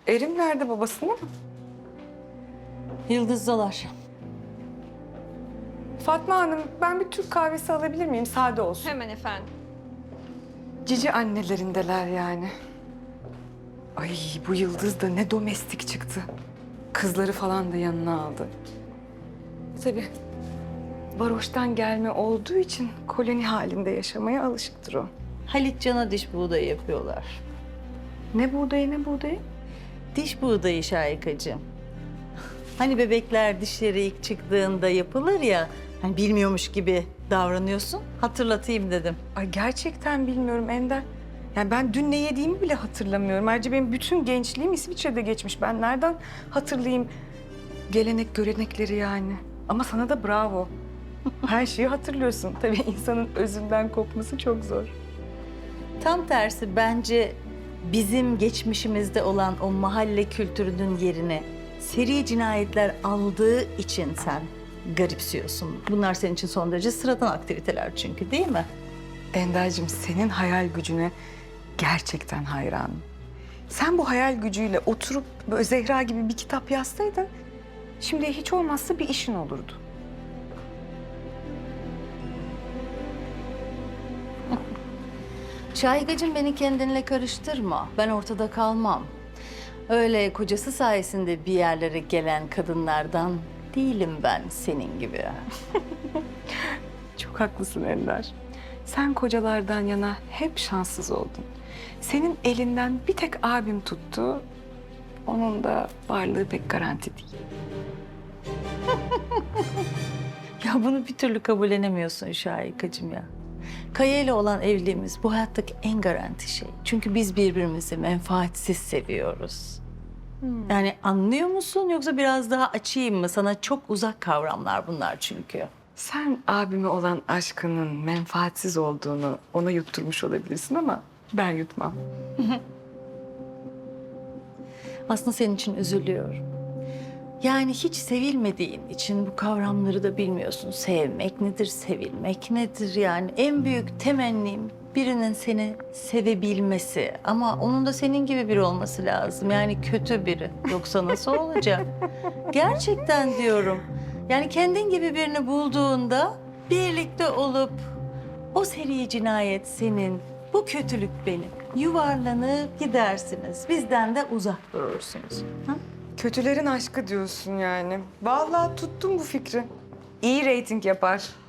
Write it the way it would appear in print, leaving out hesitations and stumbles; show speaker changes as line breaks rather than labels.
Erim nerede, babasında mı?
Yıldızdalar.
Fatma Hanım, ben bir Türk kahvesi alabilir miyim? Sade olsun.
Hemen efendim.
Cici annelerindeler yani. Ay, bu Yıldız da ne domestik çıktı. Kızları falan da yanına aldı. Tabii varoştan gelme olduğu için koloni halinde yaşamaya alışıktır o.
Halit Can'a diş buğdayı yapıyorlar.
Ne buğdayı, ne buğdayı?
Diş buğdayı Şahikacığım. Hani bebekler dişleri ilk çıktığında yapılır ya, hani bilmiyormuş gibi davranıyorsun. Hatırlatayım dedim.
Ay, gerçekten bilmiyorum Ender. Yani ben dün ne yediğimi bile hatırlamıyorum. Ayrıca benim bütün gençliğim İsviçre'de geçmiş. Ben nereden hatırlayayım gelenek görenekleri yani? Ama sana da bravo. Her şeyi hatırlıyorsun. Tabii insanın özünden kopması çok zor.
Tam tersi bence bizim geçmişimizde olan o mahalle kültürünün yerine seri cinayetler aldığı için sen garipsiyorsun. Bunlar senin için son derece sıradan aktiviteler çünkü, değil mi?
Ender'cim, senin hayal gücüne gerçekten hayranım. Sen bu hayal gücüyle oturup böyle Zehra gibi bir kitap yazsaydın, şimdi hiç olmazsa bir işin olurdu.
Şahikacığım, beni kendinle karıştırma. Ben ortada kalmam. Öyle kocası sayesinde bir yerlere gelen kadınlardan değilim ben senin gibi.
Çok haklısın Ender. Sen kocalardan yana hep şanssız oldun. Senin elinden bir tek abim tuttu. Onun da varlığı pek garanti değil.
Ya bunu bir türlü kabullenemiyorsun Şahikacığım ya. Kaya ile olan evliliğimiz bu hayattaki en garanti şey. Çünkü biz birbirimizi menfaatsiz seviyoruz. Yani anlıyor musun, yoksa biraz daha açayım mı? Sana çok uzak kavramlar bunlar çünkü.
Sen abime olan aşkının menfaatsiz olduğunu ona yutturmuş olabilirsin ama ben yutmam.
Aslında senin için üzülüyorum. Yani hiç sevilmediğin için bu kavramları da bilmiyorsun. Sevmek nedir, sevilmek nedir yani? En büyük temennim birinin seni sevebilmesi. Ama onun da senin gibi biri olması lazım. Yani kötü biri. Yoksa nasıl olacak? Gerçekten diyorum. Yani kendin gibi birini bulduğunda birlikte olup o seri cinayet senin, bu kötülük benim. Yuvarlanıp gidersiniz. Bizden de uzak durursunuz. Ha?
Kötülerin aşkı diyorsun yani. Vallahi tuttum bu fikri. İyi reyting yapar.